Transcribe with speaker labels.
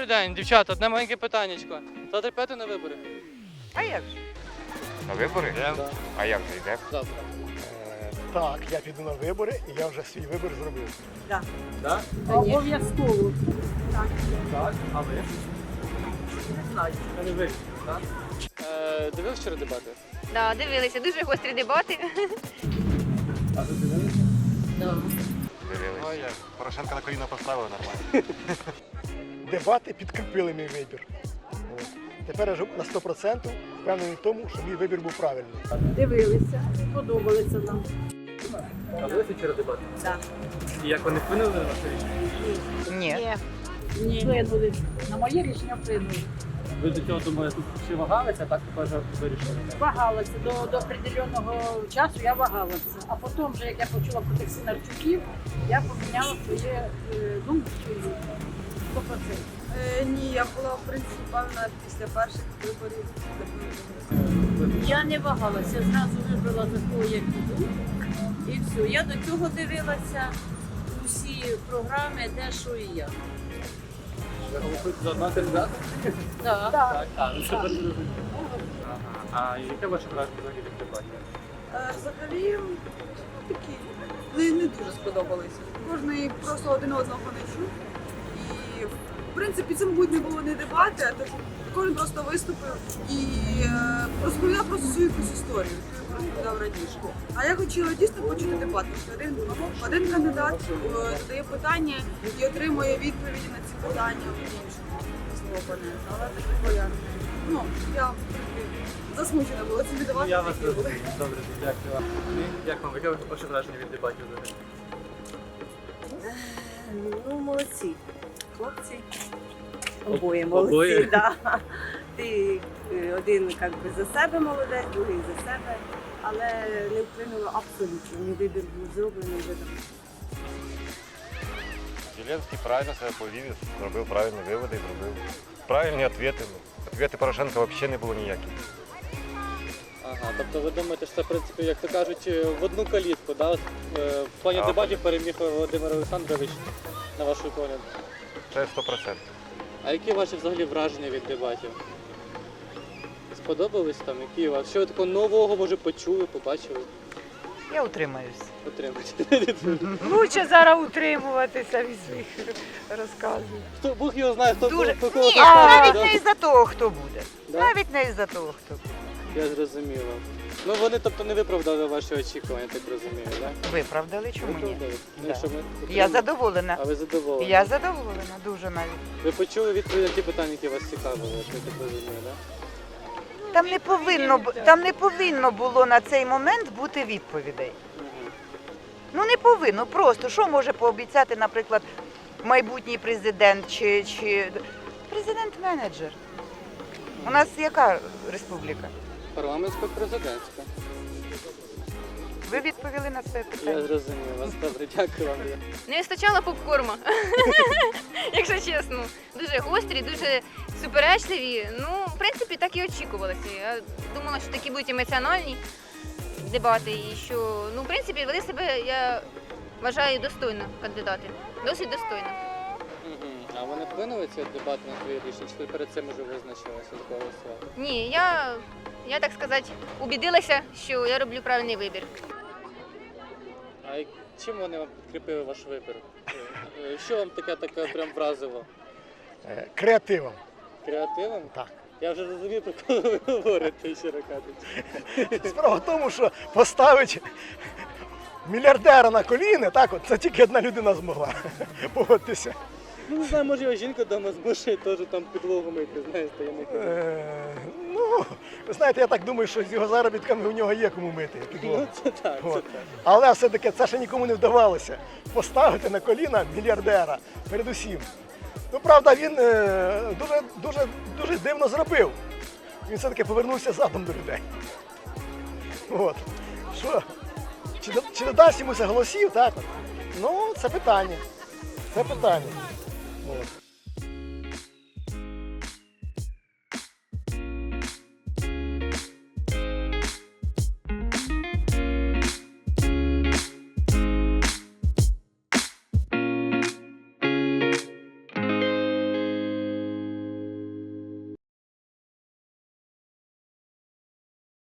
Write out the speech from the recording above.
Speaker 1: Добрий день, дівчата, одне маленьке питаннячко. Завтра йдете на вибори?
Speaker 2: А як же?
Speaker 3: На вибори?
Speaker 1: Да.
Speaker 3: А як же йде?
Speaker 1: Завтра.
Speaker 4: Так, я піду на вибори і я вже свій вибір зробив.
Speaker 1: Так?
Speaker 2: Обов'язково.
Speaker 1: Так. А ви?
Speaker 2: Не знаю.
Speaker 1: Я не вирішив, так? Дивився вчора дебати?
Speaker 5: Да, дивилися, дуже гострі дебати.
Speaker 1: А ви дивилися?
Speaker 3: Дивились.
Speaker 6: Ой, Порошенка на коліна поставили нормально.
Speaker 4: Дебати підкріпили мій вибір. От. Тепер я вже на 100% впевнений в тому, що мій вибір був правильний.
Speaker 2: Дивилися, подобалися нам.
Speaker 1: А дивилися вчора дебати?
Speaker 2: Так.
Speaker 1: І як вони вплинули на ваше рішення?
Speaker 2: Ні. Ні. Вплинули. На моє рішення вплинули.
Speaker 1: Ви до цього думали, чи вагалися, так тепер вже вирішили?
Speaker 2: Вагалася. До определеного часу я вагалася. А потім, вже, як я почула про тих Синарчуків, я поміняла своє думку. 100%.
Speaker 7: Ні, я була в принципі певна після перших виборів.
Speaker 2: Я не вагалася, зразу вибрала такого, як іду. І все. Я до цього дивилася усі програми, де що і як.
Speaker 1: Ви голосуєте за одного кандидата?
Speaker 2: Так.
Speaker 1: Так. А, ну це перше розуміння. Ага. А яке ваше враження взагалі від дебатів?
Speaker 7: Взагалі такі не дуже сподобалися. Кожний просто один одного не чув. І в принципі це, мабуть, не було не дебати, а то кожен просто виступив і розповідав просто свою якусь історію, яку він розповідав раніше. А я хотіла дійсно почути дебат, тому що один кандидат задає питання і отримує відповіді на ці питання в іншому свого опонента. Але такого я в принципі, засмучена була цим дебатом.
Speaker 1: Я вас розумію. Добре, дякую вам. Як вам? Яке ваше враження від дебатів взагалі?
Speaker 8: Ну, молодці. Хлопці. Обоє
Speaker 1: Обоє?
Speaker 8: молодці, так. Да. Ти один як би, за себе молодець, другий за себе, але не вплинуло абсолютно. Мій вибір був зроблений вже давно.
Speaker 6: Зеленський правильно себе повів, зробив правильні виводи, зробив правильні відповіді. Відповіді Порошенка взагалі не було ніяких.
Speaker 1: Ага, тобто ви думаєте, що це, в принципі, як то кажуть, в одну калітку, да? В плані
Speaker 6: Так.
Speaker 1: дебатів переміг Володимир Олександрович, на вашу погляд.
Speaker 6: Це 100%.
Speaker 1: А які ваші взагалі враження від дебатів? Сподобались там? Які у вас? Що ви такого нового, може, почули, побачили?
Speaker 9: Я утримаюсь.
Speaker 1: Отримати.
Speaker 9: Лучше зараз утримуватися від своїх розказів.
Speaker 1: Хто, Бог його знає, хто
Speaker 9: Дуже.
Speaker 1: по кого
Speaker 9: Ні,
Speaker 1: попав,
Speaker 9: навіть
Speaker 1: да?
Speaker 9: не із-за того, хто буде.
Speaker 1: Да?
Speaker 9: Навіть не із-за того, хто буде.
Speaker 1: Я зрозуміла. Ну вони, тобто, не виправдали ваші очікування, так розумію, так? Да?
Speaker 9: Виправдали, чому ні?
Speaker 1: Виправдали? Ну,
Speaker 9: Да.
Speaker 1: що ми
Speaker 9: Я
Speaker 1: отримали?
Speaker 9: задоволена.
Speaker 1: А ви задоволені?
Speaker 9: Я задоволена, дуже навіть.
Speaker 1: Ви почули відповіді на ті питання, які вас цікавили, я так розумію, так? Да?
Speaker 9: Там не повинно було на цей момент бути відповідей. Ну не повинно, просто. Що може пообіцяти, наприклад, майбутній президент чи президент-менеджер? У нас яка республіка?
Speaker 1: Парламентсько-президентська.
Speaker 9: Ви відповіли на це
Speaker 1: Я
Speaker 9: питання?
Speaker 1: зрозумів вас. Добре, дякую вам.
Speaker 5: Не вистачало попкорма, якщо чесно. Дуже гострі, дуже суперечливі. Ну, в принципі, так і очікувалося. Я думала, що такі будуть емоціональні дебати і що, ну, в принципі, вели себе, я вважаю, достойно кандидати. Досить достойно.
Speaker 1: А вони вплинули ці дебати на твої рішення? Чи ти перед цим вже визначилася з голосувати?
Speaker 5: Ні, я, так сказати, убідилася, що я роблю правильний вибір.
Speaker 1: А чим вони вам підкріпили ваш вибір? Що вам таке прям вразило?
Speaker 4: Креативом.
Speaker 1: Креативом?
Speaker 4: Так.
Speaker 1: Я вже розумію, про кого ви говорите, щиро кажучи.
Speaker 4: Справа в тому, що поставити мільярдера на коліни, так от, це тільки одна людина змогла. Погодьтеся.
Speaker 1: Ну, не знаю, може його жінка вдома змушує теж там підлогу мити, знаєте, я не кажу.
Speaker 4: Ну, ви знаєте, я так думаю, що з його заробітками у нього є кому мити підлогу.
Speaker 1: Ну, це так, це
Speaker 4: От.
Speaker 1: так.
Speaker 4: Але все-таки це ще нікому не вдавалося. Поставити на коліна мільярдера передусім. Ну, правда, він дуже дивно зробив. Він все-таки повернувся задом до людей. От. Що? Чи додасть йому це голосів, так? Ну, це питання. Це питання. От.